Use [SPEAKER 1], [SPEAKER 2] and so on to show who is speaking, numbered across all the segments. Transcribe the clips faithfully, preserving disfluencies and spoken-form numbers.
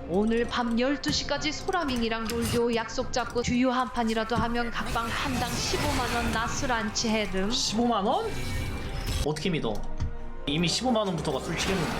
[SPEAKER 1] 오늘 밤 열두 시까지 소라밍이랑 놀기로 약속 잡고 듀오 한 판이라도 하면 각방 판당 십오만 원 나스란치 해름.
[SPEAKER 2] 십오만 원? 어떻게 믿어? 이미 십오만 원부터가 술치겠는데.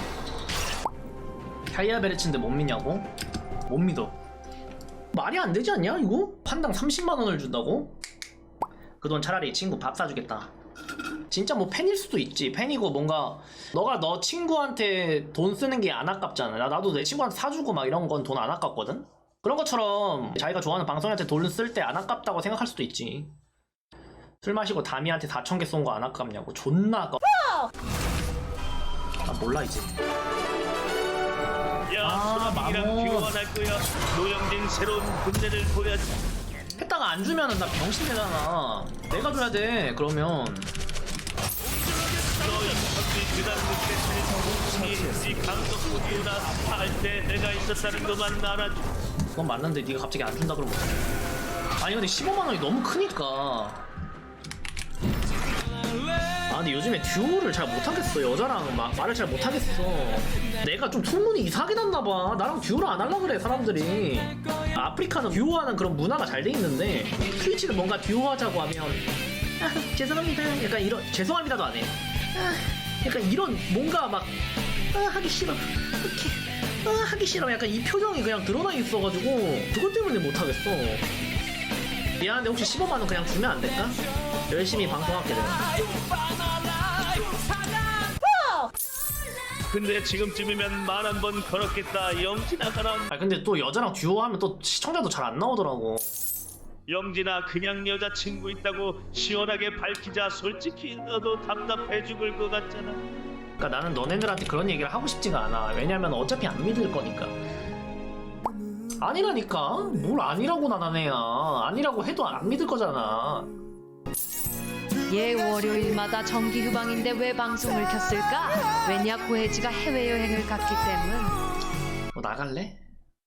[SPEAKER 2] 타이아베르츠인데 못 믿냐고? 못 믿어. 말이 안 되지 않냐 이거? 판당 삼십만 원을 준다고? 그 돈 차라리 친구 밥 사주겠다. 진짜 뭐 팬일 수도 있지. 팬이고 뭔가 너가 너 친구한테 돈 쓰는 게 안 아깝잖아. 나, 나도 내 친구한테 사주고 막 이런 건 돈 안 아깝거든? 그런 것처럼 자기가 좋아하는 방송한테 돈 쓸 때 안 아깝다고 생각할 수도 있지. 술 마시고 다미한테 사천 개 쏜 거 안 아깝냐고. 존나 아까워. 나 몰라 이제.
[SPEAKER 3] 야,
[SPEAKER 2] 아,
[SPEAKER 3] 소라밍이랑
[SPEAKER 2] 마모.
[SPEAKER 3] 교환할 거야. 노영진 새로운 군대를 보여줘.
[SPEAKER 2] 했다가 안 주면은 나 병신 되잖아. 내가 줘야 돼. 그러면
[SPEAKER 3] 너희 덕질 그단 끝에 이 감독국이나 할 때 내가 있었다는 것만 알아줘.
[SPEAKER 2] 그건 맞는데 네가 갑자기 안 준다 그러면 어떡해. 아니 근데 십오만 원이 너무 크니까. 아 근데 요즘에 듀오를 잘 못하겠어. 여자랑 마, 말을 잘 못하겠어. 내가 좀 소문이 이상하게 났나봐. 나랑 듀오를 안 하려고 그래 사람들이. 아프리카는 듀오하는 그런 문화가 잘 돼 있는데 트위치는 뭔가 듀오하자고 하면 아, 죄송합니다 약간 이런 죄송합니다도 안 해. 아, 약간 이런 뭔가 막 아, 하기 싫어 이렇게 아, 하기 싫어 약간 이 표정이 그냥 드러나 있어가지고 그것 때문에 못하겠어. 미안한데 혹시 십오만 원 그냥 주면 안 될까? 열심히 방송할게 내가.
[SPEAKER 3] 근데 지금쯤이면 말 한 번 걸었겠다. 영진아 가라.
[SPEAKER 2] 아 근데 또 여자랑 듀오 하면 또 시청자도 잘 안 나오더라고.
[SPEAKER 3] 영진아 그냥 여자친구 있다고 시원하게 밝히자. 솔직히 너도 답답해 죽을 것 같잖아.
[SPEAKER 2] 그러니까 나는 너네들한테 그런 얘기를 하고 싶지가 않아. 왜냐면 어차피 안 믿을 거니까. 아니라니까? 뭘 아니라고 나나네야. 아니라고 해도 안 믿을 거잖아.
[SPEAKER 1] 예, 월요일마다 정기 휴방인데 왜 방송을 켰을까? 왜냐, 고혜지가 해외여행을 갔기 때문.
[SPEAKER 2] 뭐 나갈래?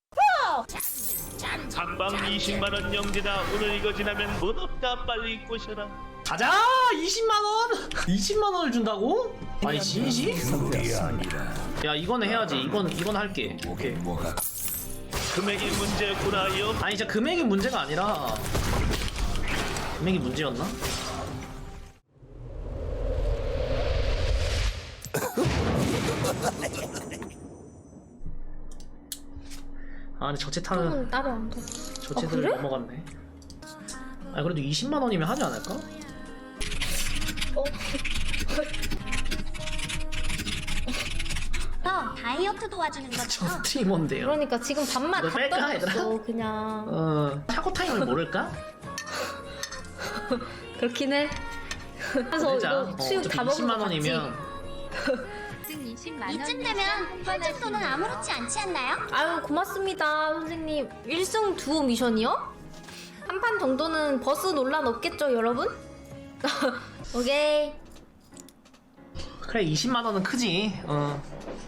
[SPEAKER 3] 한방 이십만 원. 영진아 오늘 이거 지나면 못 없다. 빨리 꼬셔라.
[SPEAKER 2] 가자! 이십만 원! 이십만 원을 준다고? 아니 진심? 야 이거는 해야지. 이건 이건 할게. 오케이.
[SPEAKER 3] 금액이 문제였구나. 영
[SPEAKER 2] 아니 진짜 금액이 문제가 아니라 금액이 문제였나? 아 근데 저체타는
[SPEAKER 4] 좀 따로 안 돼.
[SPEAKER 2] 저체들
[SPEAKER 4] 아, 그래?
[SPEAKER 2] 넘어갔네. 아 그래도 이십만 원이면 하지 않을까?
[SPEAKER 4] 어?
[SPEAKER 5] 너 다이어트 도와주는
[SPEAKER 2] 저
[SPEAKER 5] 거잖아.
[SPEAKER 2] 스트리머인데요.
[SPEAKER 4] 그러니까 지금 밥만
[SPEAKER 2] 이거
[SPEAKER 4] 다
[SPEAKER 2] 뺄까, 얘들아?
[SPEAKER 4] 떨어졌어 그냥.
[SPEAKER 2] 어 차고 타임을 모를까?
[SPEAKER 4] 그렇긴 해. 그래서
[SPEAKER 2] 보내자.
[SPEAKER 4] 이거 수육
[SPEAKER 2] 어차피
[SPEAKER 4] 다 먹은
[SPEAKER 2] 이십만
[SPEAKER 4] 거 같지?
[SPEAKER 2] 원이면
[SPEAKER 5] 이쯤 되면 편집도는 아무렇지 않지 않나요?
[SPEAKER 4] 아유 고맙습니다 선생님. 일 승 두오 미션이요? 한 판 정도는 버스 논란 없겠죠 여러분? 오케이.
[SPEAKER 2] 그래 이십만 원은 크지. 어.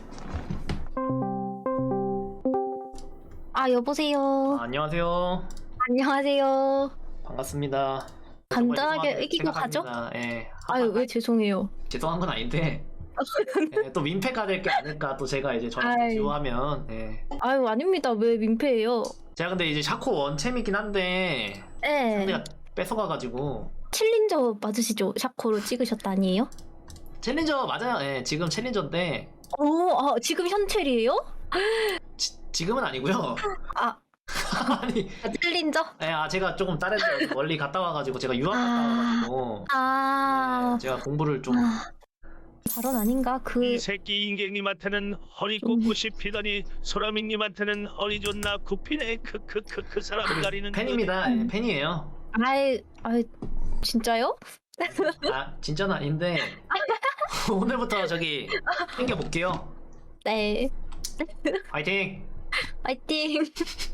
[SPEAKER 4] 아 여보세요.
[SPEAKER 2] 아, 안녕하세요.
[SPEAKER 4] 안녕하세요.
[SPEAKER 2] 반갑습니다.
[SPEAKER 4] 간단하게
[SPEAKER 2] 정말
[SPEAKER 4] 이기고 가죠?
[SPEAKER 2] 생각합니다. 예.
[SPEAKER 4] 아유 왜 죄송해요.
[SPEAKER 2] 죄송한 건 아닌데 예, 또 민폐가 될 게 아닐까. 또 제가 이제 저랑
[SPEAKER 4] 아이.
[SPEAKER 2] 듀오하면 예.
[SPEAKER 4] 아유 아닙니다. 왜 민폐예요?
[SPEAKER 2] 제가 근데 이제 샤코 원챔이긴 한데
[SPEAKER 4] 예.
[SPEAKER 2] 상대가 뺏어가가지고
[SPEAKER 4] 챌린저 맞으시죠? 샤코로 찍으셨다 아니에요?
[SPEAKER 2] 챌린저 맞아요. 예, 지금 챌린저인데
[SPEAKER 4] 오, 아, 지금 현첼이에요?
[SPEAKER 2] 지, 지금은 아니고요.
[SPEAKER 4] 아,
[SPEAKER 2] 아니,
[SPEAKER 4] 아, 챌린저?
[SPEAKER 2] 예, 아 제가 조금 다른 데 멀리 갔다 와가지고 제가 유학 갔다 와가지고
[SPEAKER 4] 아,
[SPEAKER 2] 제가 공부를 좀
[SPEAKER 4] 발언 아닌가? 그,
[SPEAKER 3] 이 새끼 인갱님한테는 허리 꽂고 싶히더니 소라민님한테는 허리 존나 굽히네. 크크크 그 사람 가리는
[SPEAKER 2] 팬입니다. 예, 팬이에요.
[SPEAKER 4] 아이, 아이, 진짜요?
[SPEAKER 2] 아 진짜는 아닌데 오늘부터 저기 챙겨볼게요.
[SPEAKER 4] 네.
[SPEAKER 2] 파이팅.
[SPEAKER 4] 파이팅.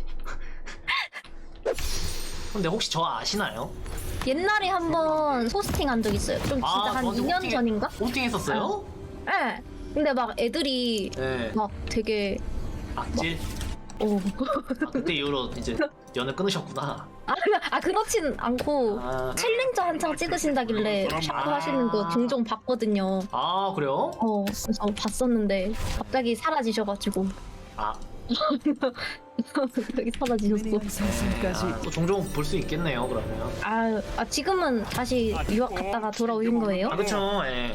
[SPEAKER 2] 근데 혹시 저 아시나요?
[SPEAKER 4] 옛날에 한번 소스팅 한 적 있어요. 좀 진짜
[SPEAKER 2] 아,
[SPEAKER 4] 한
[SPEAKER 2] 저한테
[SPEAKER 4] 이 년
[SPEAKER 2] 호스팅-
[SPEAKER 4] 전인가?
[SPEAKER 2] 호스팅 했었어요?
[SPEAKER 4] 네. 근데 막 애들이
[SPEAKER 2] 네.
[SPEAKER 4] 막 되게,
[SPEAKER 2] 악질.
[SPEAKER 4] 오.
[SPEAKER 2] 아, 그때 이후로 이제 연을 끊으셨구나.
[SPEAKER 4] 아, 아 그렇진 않고
[SPEAKER 2] 아,
[SPEAKER 4] 챌린저 한창 찍으신다길래 샤코 하시는 거 종종 봤거든요.
[SPEAKER 2] 아 그래요?
[SPEAKER 4] 어, 그래서 봤었는데 갑자기 사라지셔가지고.
[SPEAKER 2] 아
[SPEAKER 4] 여기 사라지셨어.
[SPEAKER 2] 아, 또 종종 볼 수 있겠네요 그러면.
[SPEAKER 4] 아, 아 지금은 다시 유학 갔다가 돌아오신 거예요?
[SPEAKER 2] 아 그쵸. 예.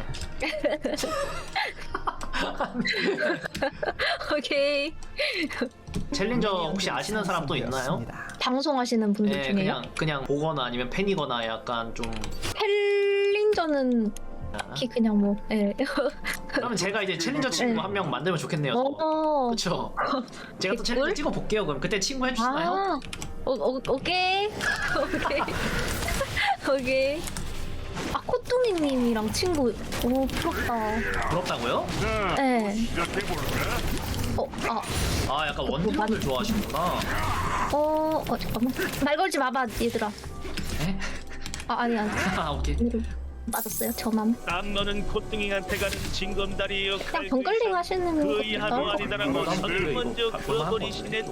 [SPEAKER 4] 오케이.
[SPEAKER 2] 챌린저 혹시 아시는 사람 또 있나요?
[SPEAKER 4] 방송하시는 분들
[SPEAKER 2] 예,
[SPEAKER 4] 중에요?
[SPEAKER 2] 그냥 그냥 보거나 아니면 팬이거나 약간 좀.
[SPEAKER 4] 챌린저는 특히 그냥 뭐, 예.
[SPEAKER 2] 그러면 제가 이제 챌린저 친구
[SPEAKER 4] 네.
[SPEAKER 2] 한 명 만들면 좋겠네요.
[SPEAKER 4] 어.
[SPEAKER 2] 그쵸? 제가 또
[SPEAKER 4] 댓글?
[SPEAKER 2] 챌린저 찍어 볼게요. 그럼 그때 친구 해주시나요?
[SPEAKER 4] 아, 오, 오, 오케이. 오케이. 오케이. 아, 코뚱이님이랑 친구. 오, 부럽다.
[SPEAKER 2] 부럽다고요?
[SPEAKER 4] 네. 어, 아,
[SPEAKER 2] 아 약간 원딜분들 좋아하시는구나.
[SPEAKER 4] 어, 어, 잠깐만. 말 걸지 마봐, 얘들아.
[SPEAKER 2] 에?
[SPEAKER 4] 아, 아니, 아니.
[SPEAKER 2] 아 오케이.
[SPEAKER 4] 맞았어요, 저만.
[SPEAKER 3] 땀너는 콧등이한테 가는 징검다리 역할
[SPEAKER 4] 그냥 번글링 하시는
[SPEAKER 3] 그
[SPEAKER 4] 거
[SPEAKER 3] 이하도
[SPEAKER 4] 같다.
[SPEAKER 3] 아니다라고 선을 먼저 그어버리시네.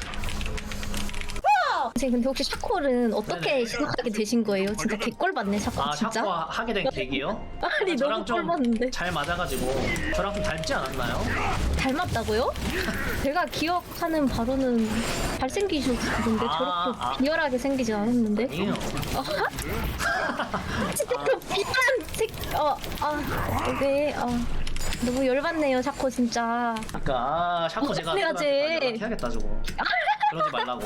[SPEAKER 4] 선생님, 근데 혹시 샤콜은 어떻게
[SPEAKER 2] 네네.
[SPEAKER 4] 시작하게 되신 거예요? 진짜 개꿀 받네, 샤콜.
[SPEAKER 2] 아
[SPEAKER 4] 진짜?
[SPEAKER 2] 샤코 하게 된 계기요?
[SPEAKER 4] 아니,
[SPEAKER 2] 저랑
[SPEAKER 4] 너무
[SPEAKER 2] 좀
[SPEAKER 4] 꿀 받는데.
[SPEAKER 2] 잘 맞아가지고 저랑 좀 닮지 않았나요?
[SPEAKER 4] 닮았다고요? 제가 기억하는 바로는 잘생기셨는데
[SPEAKER 2] 아,
[SPEAKER 4] 저렇게
[SPEAKER 2] 아.
[SPEAKER 4] 비열하게 생기지 않았는데?
[SPEAKER 2] 아니에요.
[SPEAKER 4] 진짜 그 비싼 색, 어, 아, 오케이, 아, 너무 열받네요, 샤코 진짜.
[SPEAKER 2] 그러니까 아, 샤코 제가
[SPEAKER 4] 해야지.
[SPEAKER 2] 애들한테 연락해야겠다 저거. 그러지 말라고.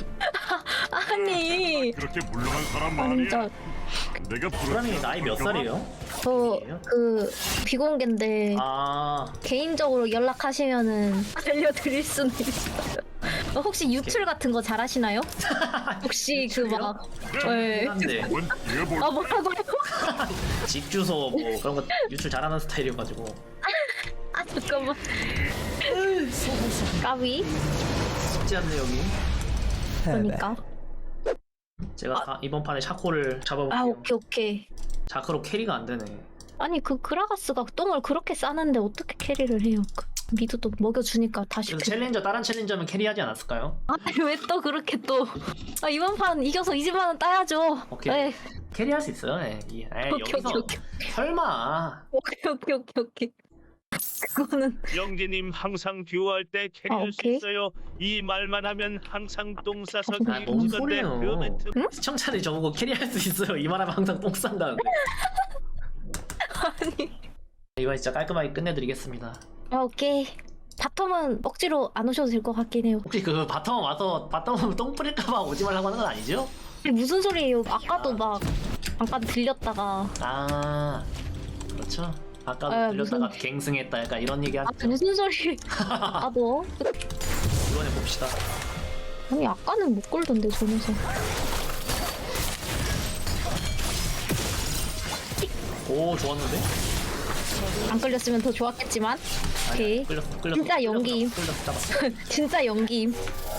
[SPEAKER 4] 아니,
[SPEAKER 6] 그렇게 물러간 사람
[SPEAKER 4] 아,
[SPEAKER 6] 말이야.
[SPEAKER 4] 진짜
[SPEAKER 6] 내가
[SPEAKER 2] 프라님 나이 몇 살이에요?
[SPEAKER 4] 저 그 비공개인데
[SPEAKER 2] 아
[SPEAKER 4] 개인적으로 연락하시면은 알려드릴 수는 있어요. 어, 혹시 유출 같은 거 잘하시나요? 혹시 그 막, 네.
[SPEAKER 2] 한데
[SPEAKER 6] 한번 뛰어볼.
[SPEAKER 4] 아 뭐라고요?
[SPEAKER 2] 집 주소 뭐 그런 거 유출 잘하는 스타일이어가지고.
[SPEAKER 4] 아 잠깐만. 까비.
[SPEAKER 2] 쉽지 않네 여기.
[SPEAKER 4] 그러니까.
[SPEAKER 2] 제가 다 이번 판에 샤코를 잡아볼게요.
[SPEAKER 4] 아 오케이 오케이.
[SPEAKER 2] 자크로 캐리가 안 되네.
[SPEAKER 4] 아니 그 그라가스가 똥을 그렇게 싸는데 어떻게 캐리를 해요? 그 미드도 먹여주니까 다시.
[SPEAKER 2] 그래서 챌린저 다른 챌린저면 캐리하지 않았을까요?
[SPEAKER 4] 아니 왜 또 그렇게 또? 아 이번 판 이겨서 이십만 원 따야죠.
[SPEAKER 2] 오케이.
[SPEAKER 4] 네.
[SPEAKER 2] 캐리할 수 있어요. 예. 이- 에이,
[SPEAKER 4] 오케이,
[SPEAKER 2] 여기서
[SPEAKER 4] 오케이, 오케이.
[SPEAKER 2] 설마.
[SPEAKER 4] 오케이 오케이 오케이 오케이. 그거는
[SPEAKER 3] 영재님 항상 듀오할 때 캐리할
[SPEAKER 4] 아,
[SPEAKER 3] 수
[SPEAKER 4] 오케이.
[SPEAKER 3] 있어요. 이 말만 하면 항상 똥 싸서
[SPEAKER 2] 아, 뭔
[SPEAKER 3] 기분던데
[SPEAKER 2] 소리예요.
[SPEAKER 3] 그 멘트
[SPEAKER 2] 시청자들이 저보고 캐리할 수 있어요. 이 말하면 항상 똥 싼다는데.
[SPEAKER 4] 아니.
[SPEAKER 2] 이번 진짜 깔끔하게 끝내드리겠습니다.
[SPEAKER 4] 아 오케이. 바텀은 억지로 안 오셔도 될 것 같긴 해요.
[SPEAKER 2] 혹시 그 바텀 와서 바텀 똥 뿌릴까봐 오지 말라고 하는 건 아니죠?
[SPEAKER 4] 아니, 무슨 소리예요? 아까도 막 잠깐 들렸다가
[SPEAKER 2] 아 그렇죠. 아까도
[SPEAKER 4] 아,
[SPEAKER 2] 들렸다가
[SPEAKER 4] 무슨-
[SPEAKER 2] 갱승했다 약간 이런 얘기
[SPEAKER 4] 아
[SPEAKER 2] 하죠.
[SPEAKER 4] 무슨 소리? 아까도
[SPEAKER 2] 이번에 봅시다.
[SPEAKER 4] 아니 아까는 못 걸던데 저 녀석.
[SPEAKER 2] 오 좋았는데?
[SPEAKER 4] 안 걸렸으면 더 좋았겠지만. 오케이.
[SPEAKER 2] 아니야, 끌렸어 끌렸어.
[SPEAKER 4] 진짜
[SPEAKER 2] 끌렸어,
[SPEAKER 4] 연기임.
[SPEAKER 2] 끌렸어 잡았어.
[SPEAKER 4] 진짜 연기임.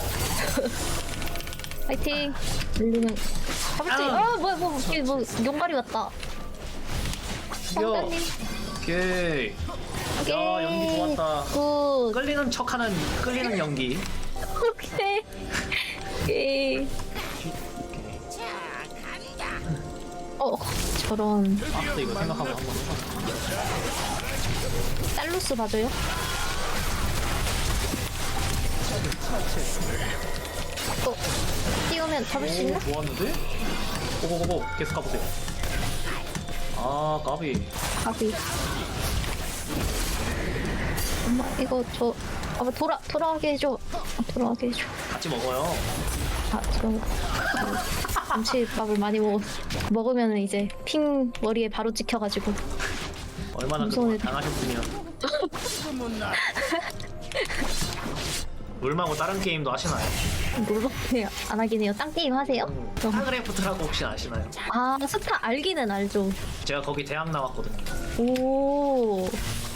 [SPEAKER 4] 파이팅. 물리면 잡을 수.
[SPEAKER 2] 아.
[SPEAKER 4] 아 뭐야 뭐 이게 뭐 용가리 왔다.
[SPEAKER 2] 이겨.
[SPEAKER 4] 성단님.
[SPEAKER 2] 오케이. 야 연기 좋았다.
[SPEAKER 4] 굿.
[SPEAKER 2] 끌리는 척하는 끌리는 연기.
[SPEAKER 4] 오케이. 오케이. 어 저런
[SPEAKER 2] 아, 또 이거 생각하고 한번 해봐.
[SPEAKER 4] 살루스 봐줘요. 어 띄우면 잡을 수 있나?
[SPEAKER 2] 오, 좋았는데? 고고고고 계속 가보세요. 아 까비.
[SPEAKER 4] 가비. 엄마 이거 저 아마 돌아 돌아가게 해줘. 아, 돌아가게 해줘.
[SPEAKER 2] 같이 먹어요.
[SPEAKER 4] 아 저 김치밥을 많이 먹어 먹으면 이제 핑 머리에 바로 찍혀가지고.
[SPEAKER 2] 얼마나
[SPEAKER 4] 무서운
[SPEAKER 2] 그동안
[SPEAKER 4] 애들.
[SPEAKER 2] 당하셨으면. 롤마고 다른 게임도 하시나요?
[SPEAKER 4] 놀러네요. 안 하긴 해요. 딴 게임 하세요?
[SPEAKER 2] 스타크래프트라고 혹시 아시나요?
[SPEAKER 4] 아 스타 알기는 알죠.
[SPEAKER 2] 제가 거기 대학 나왔거든요.
[SPEAKER 4] 오.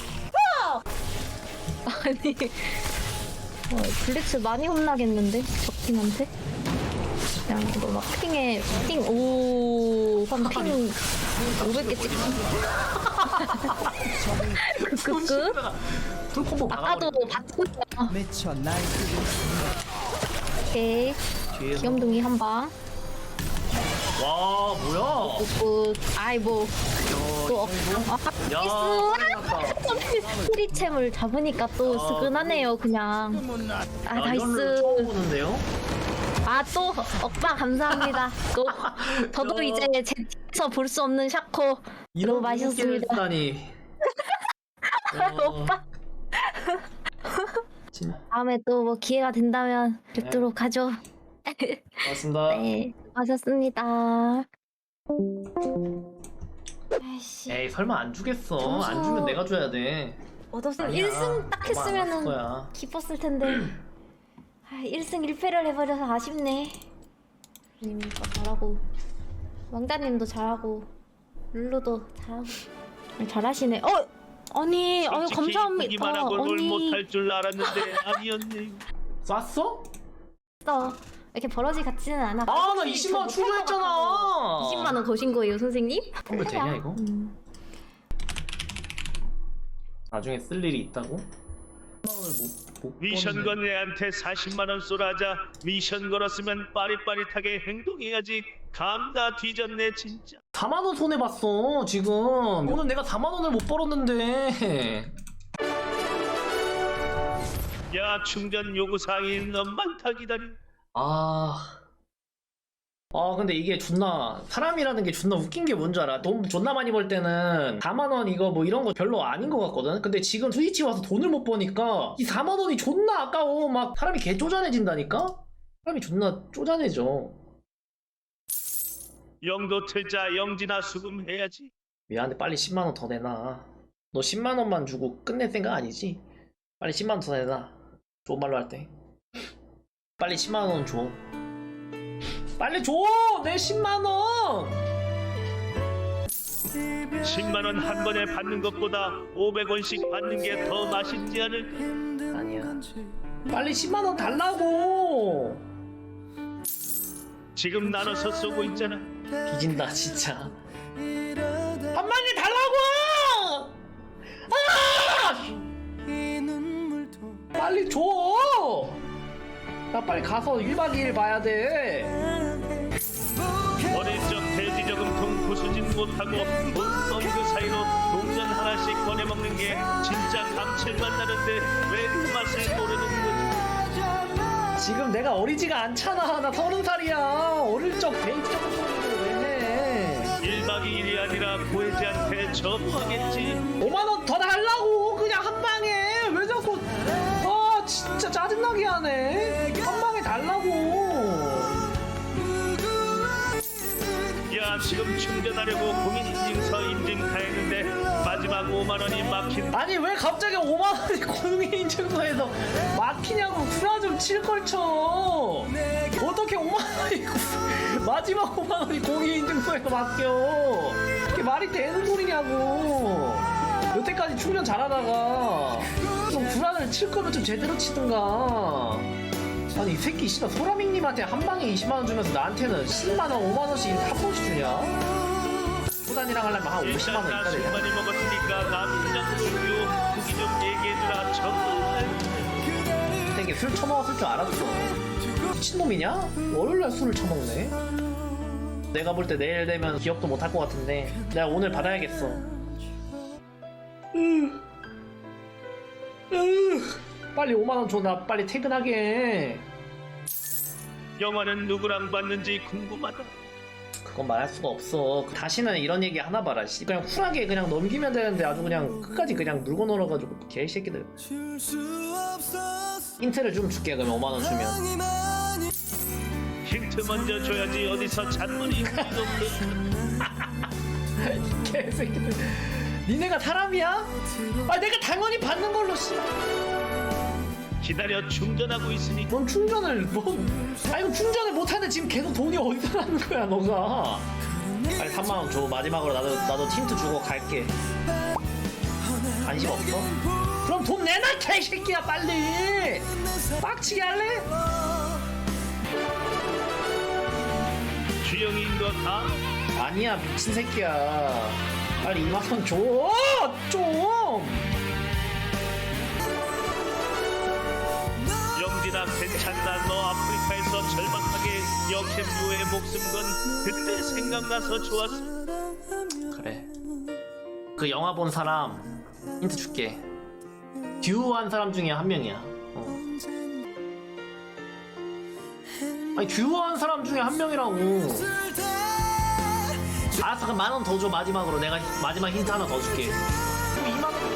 [SPEAKER 4] 아니. 어, 블리츠 많이 혼나겠는데 적팀한테? 그냥 이거 막 핑에 핑 오. 한핑 오백 개 찍고. 크크크.
[SPEAKER 2] 풀콤보
[SPEAKER 4] 아까도
[SPEAKER 2] 박아버리네.
[SPEAKER 4] 받고 있어.
[SPEAKER 7] 미쳐 날뛰고
[SPEAKER 4] 오케이.
[SPEAKER 2] 뒤에서.
[SPEAKER 4] 귀염둥이 한 방.
[SPEAKER 2] 와 뭐야?
[SPEAKER 4] 굿굿. 아이 뭐. 또 어. 아,
[SPEAKER 2] 야
[SPEAKER 4] 나이스.
[SPEAKER 2] 그래, 나 아까
[SPEAKER 4] 프리챔을 잡으니까 또
[SPEAKER 2] 아,
[SPEAKER 4] 스근하네요 그냥. 아
[SPEAKER 2] 아, 이런 룰
[SPEAKER 4] 나이스.
[SPEAKER 2] 처음 보는데요?
[SPEAKER 4] 아 또 억바 감사합니다. 또 저도
[SPEAKER 2] 저-
[SPEAKER 4] 이제 제 팀에서 볼 수 없는 샤코
[SPEAKER 2] 이런
[SPEAKER 4] 너무 맛있었습니다.
[SPEAKER 2] 다니.
[SPEAKER 4] 오빠
[SPEAKER 2] 진
[SPEAKER 4] 다음에 또 뭐 기회가 된다면 뵙도록 하죠.
[SPEAKER 2] 고맙습니다.
[SPEAKER 4] 네, 수고하셨습니다. 아이씨,
[SPEAKER 2] 에이 설마 안 주겠어.
[SPEAKER 4] 점수-
[SPEAKER 2] 안 주면 내가 줘야 돼.
[SPEAKER 4] 얻었으면
[SPEAKER 2] 아니야.
[SPEAKER 4] 일 승 딱
[SPEAKER 2] 너무 안
[SPEAKER 4] 했으면은
[SPEAKER 2] 왔을 거야.
[SPEAKER 4] 기뻤을 텐데. 아, 일 승 일 패를 해버려서 아쉽네. 님도 잘하고, 왕자님도 잘하고, 룰루도 잘하고. 잘하시네. 어, 아니, 아유
[SPEAKER 3] 솔직히
[SPEAKER 4] 감사합니다.
[SPEAKER 3] 이기만 하고 뭘
[SPEAKER 4] 언니,
[SPEAKER 3] 못할 줄 알았는데 아니었네.
[SPEAKER 2] 쐈어?
[SPEAKER 4] 또 이렇게 버러지 같지는 않아.
[SPEAKER 2] 아 나 이십만 원 충전했잖아.
[SPEAKER 4] 이십만 원 거신 거예요, 선생님?
[SPEAKER 2] 이거 되냐 이거?
[SPEAKER 4] 음.
[SPEAKER 2] 나중에 쓸 일이 있다고? 오늘 못, 못
[SPEAKER 3] 미션
[SPEAKER 2] 버는데.
[SPEAKER 3] 건 애한테 사십만 원 쏘라자. 미션 걸었으면 빠릿빠릿하게 행동해야지. 감 다 뒤졌네 진짜.
[SPEAKER 2] 사만 원 손해 봤어 지금. 오늘 내가 사만 원을 못 벌었는데.
[SPEAKER 3] 야 충전 요구사항이 너무 많다. 기다려.
[SPEAKER 2] 아. 아 근데 이게 존나 사람이라는 게 존나 웃긴 게 뭔지 알아? 돈 존나 많이 벌 때는 사만 원 이거 뭐 이런 거 별로 아닌 것 같거든? 근데 지금 스위치 와서 돈을 못 버니까 이 사만 원이 존나 아까워. 막 사람이 개 쪼잔해진다니까? 사람이 존나 쪼잔해져.
[SPEAKER 3] 영도 틀자. 영진아 수금해야지.
[SPEAKER 2] 미안한데 빨리 십만 원 더 내놔. 너 십만 원만 주고 끝낼 생각 아니지? 빨리 십만 원 더 내놔. 좋은 말로 할 때. 빨리 십만 원 줘. 빨리 줘! 내 십만 원!
[SPEAKER 3] 십만 원 한 번에 받는 것보다 오백 원씩 받는 게 더 맛있지 않을까?
[SPEAKER 2] 아니야. 빨리 십만 원 달라고!
[SPEAKER 3] 지금 나눠서 쏘고 있잖아.
[SPEAKER 2] 뒤진다, 진짜. 한 방에 달라고! 아! 빨리 줘! 나 빨리 가서 일 박 이 일 봐야 돼.
[SPEAKER 3] 어릴 적 돼지 저금통 부수진 못하고 돈번 그 사이로 동전 하나씩 꺼내 먹는 게 진짜 감칠맛 나는데 왜 그 맛을 모르는 거지?
[SPEAKER 2] 지금 내가 어리지가 않잖아. 나 서른 살이야. 어릴 적 데이트 정도를 왜 해?
[SPEAKER 3] 일 박 이 일이 아니라 고혜지한테 전화하겠지.
[SPEAKER 2] 오만 원 더 달라고 그냥 한 방에. 왜 자꾸 아 진짜 짜증나게 하네. 한 방에 달라고.
[SPEAKER 3] 야 지금 충전하려고 공인인증서 인증 다 했는데 마지막 오만 원이 막힌.
[SPEAKER 2] 아니 왜 갑자기 오만 원이 공인인증서에서 막히냐고. 구라 좀 칠 걸 쳐. 어떻게 오만 원이 마지막 오만 원이 공인인증서에서 막혀. 이게 말이 되는 소리냐고. 여태까지 충전 잘하다가 좀 구라를 칠 거면 좀 제대로 치든가. 아니 이 새끼 씨발 소라밍님한테 한 방에 이십만 원 주면서 나한테는 십만 원, 오만 원씩 한 번씩 주냐? 소단이랑 하려면 한 오십만 원
[SPEAKER 3] 일단
[SPEAKER 2] 있다
[SPEAKER 3] 나 술
[SPEAKER 2] 되냐?
[SPEAKER 3] 많이 먹었으니까 남편이랑 놀기요. 후기 좀 얘기해주라. 정말.
[SPEAKER 2] 되게 술 처먹었을 줄 알았어. 미친놈이냐? 월요일날 술을 처먹네. 내가 볼 때 내일 되면 기억도 못 할 것 같은데 내가 오늘 받아야겠어. 으. 으. 빨리 오만 원 줘. 나 빨리 퇴근하게 해.
[SPEAKER 3] 영화는 누구랑 봤는지 궁금하다.
[SPEAKER 2] 그건 말할 수가 없어. 다시는 이런 얘기 하나 봐라. 씨. 그냥 쿨하게 그냥 넘기면 되는데 아주 그냥 끝까지 그냥 물고 놀아가지고 개새끼들. 힌트를 좀 줄게. 그러면 오만 원 주면.
[SPEAKER 3] 힌트 먼저 줘야지 어디서 잔머리 우리도
[SPEAKER 2] 개새끼들. 니네가 사람이야? 아 내가 당연히 받는 걸로. 씨.
[SPEAKER 3] 기다려 충전하고 있으니.
[SPEAKER 2] 넌 충전을 뭐? 아이고 충전을 못하는데 지금 계속 돈이 어디서 나는 거야 너가? 빨리 삼만 원 줘. 마지막으로 나도 나도 틴트 주고 갈게. 관심 없어? 그럼 돈 내놔 개새끼야 빨리. 빡치게 할래?
[SPEAKER 3] 주영이인 거 다?
[SPEAKER 2] 아니야 미친 새끼야. 빨리 이만 원 줘. 좀.
[SPEAKER 3] 영진아 괜찮다. 너 아프리카에서 절박하게 역캠유의 목숨 건 그때 생각나서 좋았어.
[SPEAKER 2] 그래. 그 영화 본 사람 힌트 줄게. 듀오 한 사람 중에 한 명이야. 어. 아니 듀오 한 사람 중에 한 명이라고. 알았어, 그럼 만 원 더 줘. 마지막으로 내가 마지막 힌트 하나 더 줄게. 그럼 이만 원.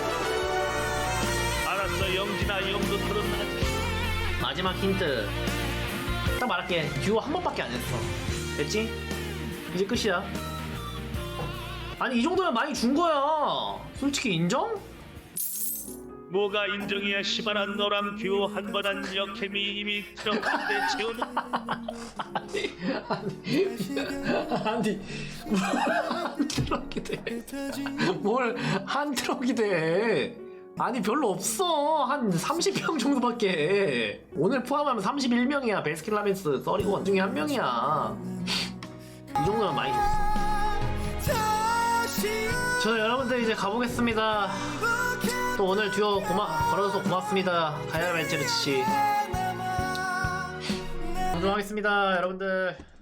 [SPEAKER 3] 알았어 영진아 이 정도 들었나?
[SPEAKER 2] 마지막 힌트 딱 말할게. 듀오 한 번밖에 안 했어. 됐지? 이제 끝이야. 아니 이 정도면 많이 준 거야. 솔직히 인정?
[SPEAKER 3] 뭐가 인정이야 시발한 너랑 듀오 한 번 한 역캠이 이미 들어갔는데 재호는
[SPEAKER 2] 아니 뭘한 트럭이 돼? 뭘 한 트럭이 돼? 아니 별로 없어. 한 삼십 명 정도밖에. 오늘 포함하면 삼십일 명이야. 베스킨라빈스 서리건 중에 한 명이야. 이 정도면 많이 줬어. 저 여러분들 이제 가보겠습니다. 또 오늘 듀오 고마 걸어줘서 고맙습니다. 가야라 벤체르치 씨. 방송하겠습니다 여러분들.